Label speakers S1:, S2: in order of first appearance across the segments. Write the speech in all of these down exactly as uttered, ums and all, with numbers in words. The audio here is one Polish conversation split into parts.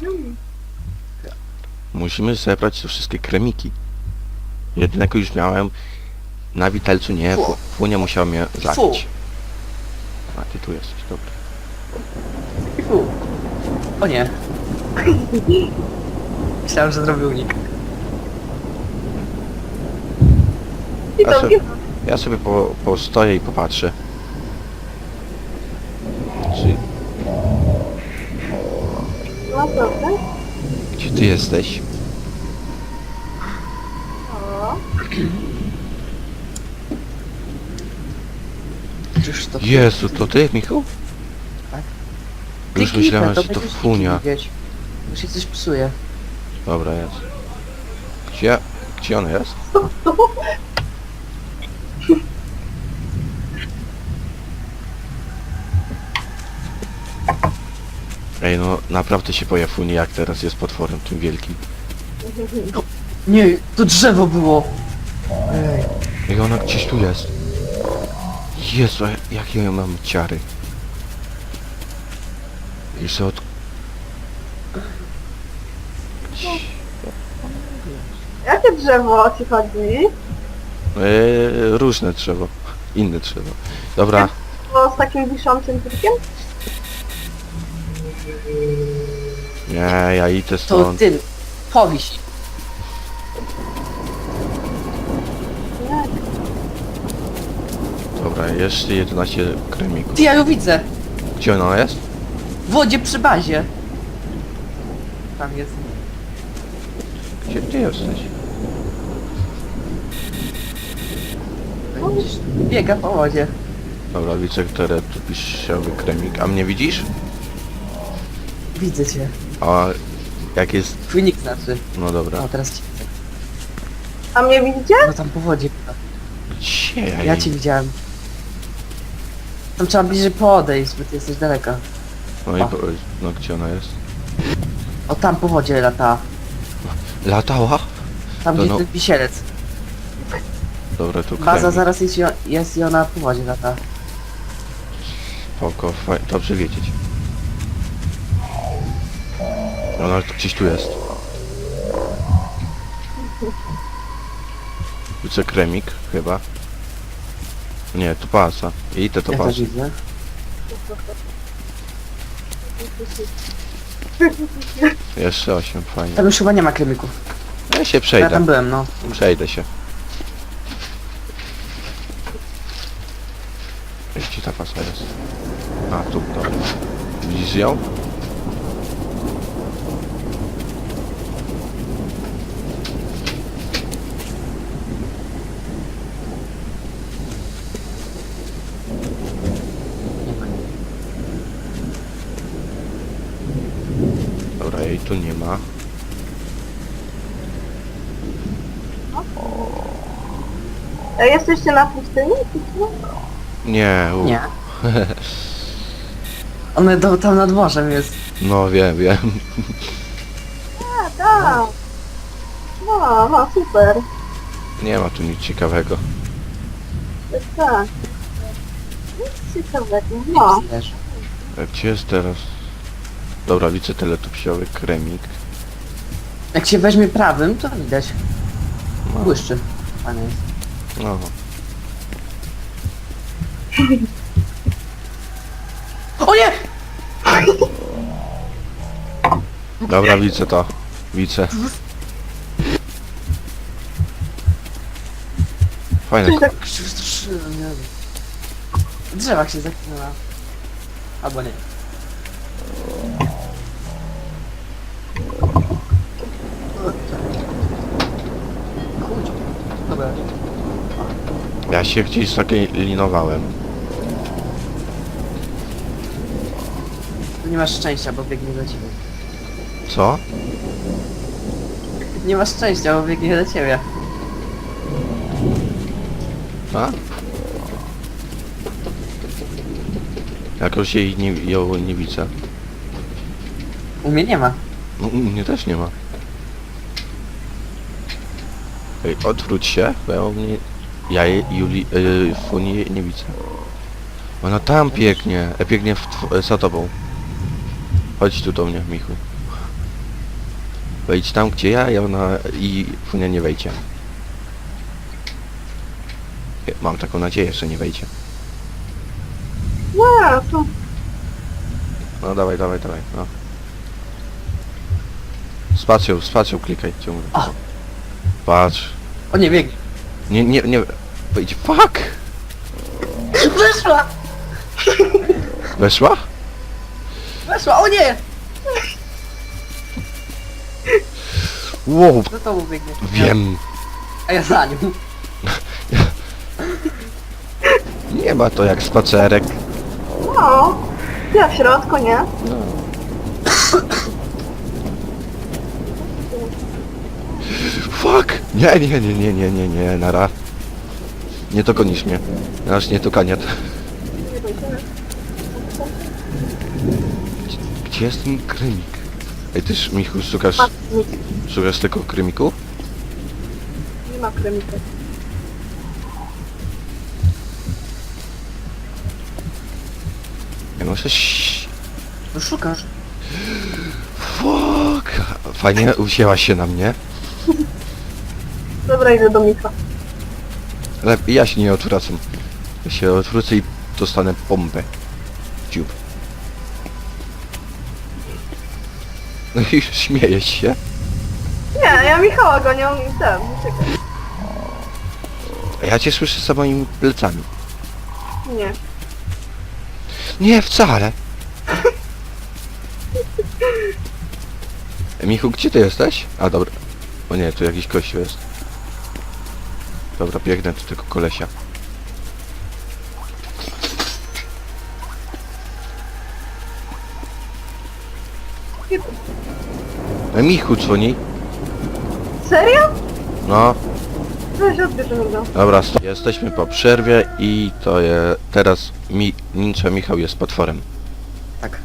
S1: Musimy zebrać te wszystkie kremiki. Jednego już miałem. Na witalcu nie,
S2: Fu.
S1: Funia musiała mnie
S2: Fu.
S1: zabić. A ty tu jesteś, dobra.
S2: Fu. O nie. Myślałem, że zrobił unik.
S3: I
S1: Ja
S3: to
S1: sobie, ja sobie po, postoję i popatrzę. Czy,
S3: naprawdę?
S1: gdzie ty jesteś?
S3: O,
S2: Czyż to...
S1: Jezu, to ty, Michał?
S2: Tak.
S1: Już
S2: Kliknij,
S1: myślałem,
S2: to
S1: że to
S2: będziesz
S1: Funia.
S2: widzieć. Już się coś psuje.
S1: Dobra, jest. Gdzie, gdzie ona jest? Ej, no naprawdę się boję Funii, jak teraz jest potworem tym wielkim.
S2: Nie, to drzewo było. Ej.
S1: Ej, ona gdzieś tu jest. Jezu, jakie ja mam ciary. Jeszcze od...
S3: jakie drzewo ci chodzi?
S1: Eee, różne drzewo. Inne drzewo. Dobra,
S3: Bo z takim wiszącym typkiem?
S1: nie, ja idę
S2: To
S1: stąd.
S2: ty, powiś.
S3: Nie.
S1: Dobra, jeszcze jedenaście kremików.
S2: Ty, ja ją widzę.
S1: Gdzie ona jest?
S2: W wodzie przy bazie. Tam jest.
S1: Gdzie ty jesteś?
S2: Widzisz, biega po wodzie.
S1: Dobra, widzę, które tu pisiowy kremik. A mnie widzisz?
S2: Widzę cię.
S1: A jak jest...
S2: Twój nick znaczy.
S1: No dobra.
S2: O, teraz cię.
S3: A mnie widzicie?
S2: No tam po wodzie.
S1: Gdzie ja,
S2: Ja
S1: jej-
S2: cię widziałem. Tam trzeba bliżej podejść, bo ty jesteś daleko.
S1: No i
S2: O.
S1: po... No gdzie ona jest?
S2: O, tam po wodzie lata.
S1: Latała?
S2: Tam
S1: To
S2: gdzie
S1: no.
S2: ten wisielec.
S1: Dobra, tu
S2: Baza
S1: kremik.
S2: zaraz jest, i o- jest i ona po wodzie lata.
S1: Spoko, faj... dobrze wiedzieć. Ona gdzieś tu jest. Widzę kremik, chyba. Nie, to pasa. I te to
S2: Ja
S1: pasa.
S2: też widzę.
S1: Jeszcze osiem, fajnie.
S2: Tam już chyba nie ma kremików.
S1: Ja się
S2: Ja
S1: przejdę.
S2: tam byłem, no.
S1: Przejdę się. Gdzie ta pasa jest? A, tu, dobra. Widzisz ją?
S2: Nie ma.
S1: Dobra, jej tu nie ma.
S3: A jesteście na pustyni?
S1: Nie, u.
S2: Nie. One do, tam nad morzem jest.
S1: No wiem, wiem.
S3: A, tak. No, no, super.
S1: Nie ma tu nic ciekawego.
S3: Tak, tak. Nic ciekawego, no.
S2: Wiesz.
S1: A gdzie jest teraz? Dobra, widzę teletupsiowy kremik.
S2: Jak się weźmie prawym, to widać.
S1: No,
S2: Błyszczy. Fajne jest.
S1: no.
S2: O nie!
S1: Dobra, widzę to. Widzę. Fajne.
S3: Coś tak
S2: Jak się wystraszyłem, nie wiem. W drzewach się zaklinęła. Albo nie. Kurczę. Dobra.
S1: Ja się gdzieś zaklinowałem.
S2: Tu nie masz szczęścia, bo biegnie do ciebie.
S1: Co?
S2: Nie masz szczęścia, bo biegnie do ciebie.
S1: A? Jakoś jej nie, ją nie widzę.
S2: U mnie nie ma.
S1: No, u mnie też nie ma. Ej, odwróć się, bo ja u mnie... Ja jej, Juli... Yy, Funii nie widzę. Ona tam biegnie, e, biegnie w tw- za tobą. Chodź tu do mnie, Michu. Wejdź tam, gdzie ja, i ona i Funia nie wejdzie. Mam taką nadzieję, że nie wejdzie.
S3: Nie, tu.
S1: No dawaj, dawaj, dawaj, no. Spacją, spacją klikaj ciągle.
S2: O.
S1: Patrz.
S2: O nie, bieg.
S1: Nie, nie, nie. Wejdź. Fuck!
S2: Weszła!
S1: Weszła?
S2: Weszła, o nie!
S1: Wow,
S2: Za tobą biegnie.
S1: wiem.
S2: A ja za nią.
S1: Nie ma to jak spacerek.
S3: No. Ja w środku, nie?
S1: No. Fuck! Nie, nie, nie, nie, nie, nie, nie, nara. Nie dogonisz mnie. Aż nie to kaniat.
S3: Nie dojdziemy.
S1: Gdzie jest ten krymik? Ej, tyż, Michu, szukasz,
S3: Ma, nic.
S1: szukasz tylko krymiku?
S3: Nie ma kremika.
S1: Ja muszę... ś-
S2: No szukasz.
S1: Fuck! Fajnie usięła się na mnie.
S3: Dobra, idę do Mika.
S1: Ale ja się nie odwracam. Ja się odwrócę i dostanę bombę. w Dziób. No i śmiejesz się?
S3: Nie, ja Michała gonią i ten, uciekaj.
S1: A ja cię słyszę za moimi plecami.
S3: Nie.
S1: Nie, wcale. E, Michu, gdzie ty jesteś? A, dobra. O nie, tu jakiś kościół jest. Dobra, biegnę do tego kolesia. E, Michu dzwoni.
S3: Serio?
S1: No,
S3: Weź odbierze mi go.
S1: dobra, sto- jesteśmy po przerwie i to je... Teraz mi... Ninja Michał jest potworem.
S2: Tak.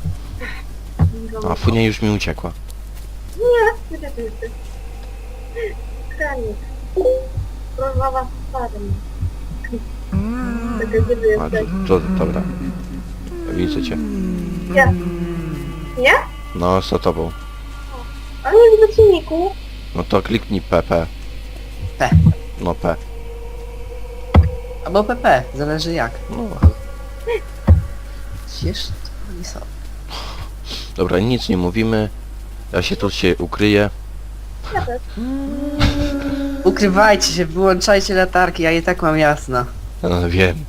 S1: A Funia już mi uciekła.
S3: Nie, gdzie ty jesteś? Kranik. Rozmowa z starym. Czekaj, gdzie ty
S1: A,
S3: jesteś?
S1: to, to, dobra. Widzę cię.
S3: Nie. Nie?
S1: No, za tobą.
S3: Ale nie widzę silniku.
S1: No to kliknij P P.
S2: P.
S1: No P.
S2: Albo P P, zależy jak.
S1: No.
S2: Gdzież to oni są?
S1: Dobra, nic nie mówimy. Ja się tu się ukryję.
S3: Ja też.
S2: Ukrywajcie się, wyłączajcie latarki, ja i tak mam jasno.
S1: No, wiem.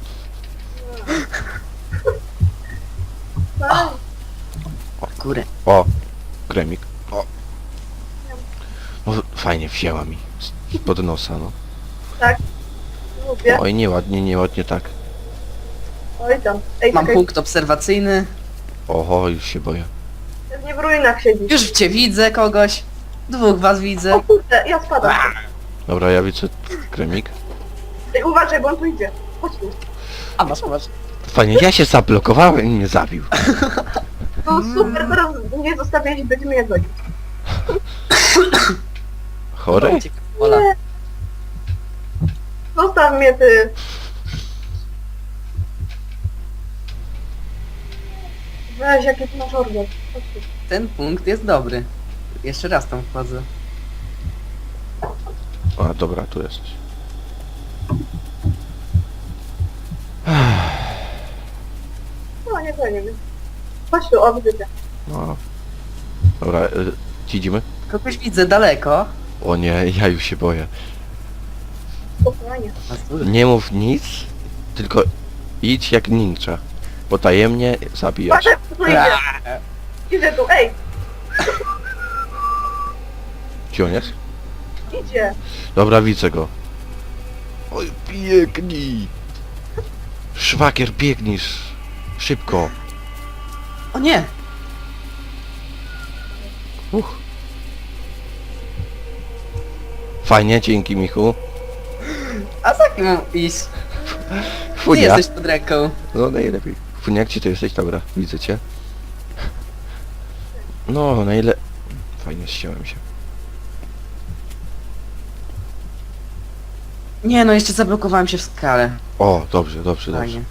S3: No,
S2: O kurę.
S1: O, kremik. O. No, fajnie wzięła mi. z- Pod nosa, no.
S3: lubię.
S1: Oj, nieładnie, nieładnie tak.
S3: Oj tam. Ej,
S2: Mam
S3: czekaj,
S2: punkt obserwacyjny.
S1: Oho, już się boję.
S3: nie w ruinach siedzisz.
S2: Już cię widzę kogoś. Dwóch was
S3: O
S2: widzę.
S3: kurde, ja spadam.
S1: Dobra, ja widzę kremik.
S3: Ej, uważaj, bo on tu idzie. Chodź tu.
S2: A masz, masz.
S1: Fajnie, ja się zablokowałem i mnie zabił.
S3: No super, teraz nie zostawiać, będziemy je gonić.
S1: Chory?
S2: Uciekaj, Ola.
S3: Nie. Zostaw mnie ty. Weź, jakie ty masz organ. Chodź tu.
S2: Ten punkt jest dobry. Jeszcze raz tam wchodzę.
S1: A, dobra, tu jesteś.
S3: No, nie gonimy. Chodź tu, odbycie.
S1: No. Dobra, y, idziemy?
S2: Kogoś widzę daleko.
S1: O nie, ja już się boję.
S3: Spokojnie.
S2: A tu-
S1: Nie mów nic, tylko idź jak ninja. Potajemnie zabijasz.
S3: Patrz, tu idzie. Idzie tu, ej,
S1: Gdzie on jest?
S3: idzie.
S1: Dobra, widzę go. Oj, biegnij! Szwagier, biegnisz! Szybko!
S2: O nie!
S1: Uch. Fajnie, dzięki Michu.
S2: A za kim mam iść? Ty
S1: Funia.
S2: jesteś pod ręką.
S1: No najlepiej. Funia, gdzie ty jesteś? Dobra, widzę cię. No, najle... Fajnie, ściąłem się.
S2: Nie no, jeszcze zablokowałem się w skale.
S1: O, dobrze, dobrze, dobrze.
S2: Fajnie.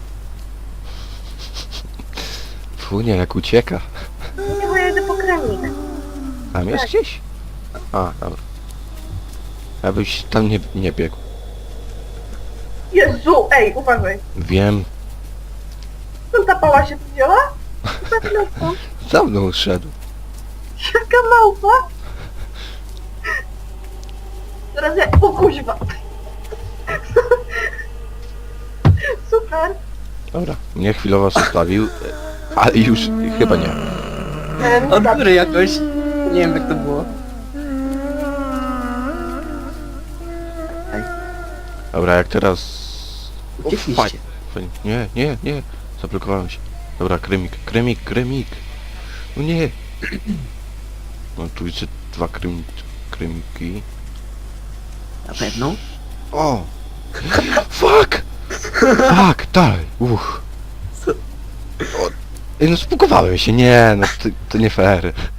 S1: Funia, jak ucieka.
S3: Nie, bo ja idę po kremik.
S1: Tam jest
S3: Tak.
S1: gdzieś? A, dobra. Abyś tam nie, nie biegł.
S3: Jezu, ej, uważaj.
S1: Wiem,
S3: Skąd ta pała się wzięła? Za
S1: za mną szedł.
S3: Jaka małpa? Teraz ja... O kuźwa. Super.
S1: Dobra, mnie chwilowo zostawił, ale już chyba nie.
S3: Ten
S2: Od góry jakoś. Nie wiem jak to było. Ej,
S1: Dobra, jak teraz... O,
S2: uciekliście.
S1: faj- fajnie. Nie, nie, nie. Zablokowałem się. Dobra, kremik, kremik, kremik. No nie. No tu widzę dwa krem, kremiki.
S2: Na pewno.
S1: O! Fuck! Fuck, dalej. Uch.
S2: Co?
S1: O, ej, no spukowałem się, nie, no to, to nie fair.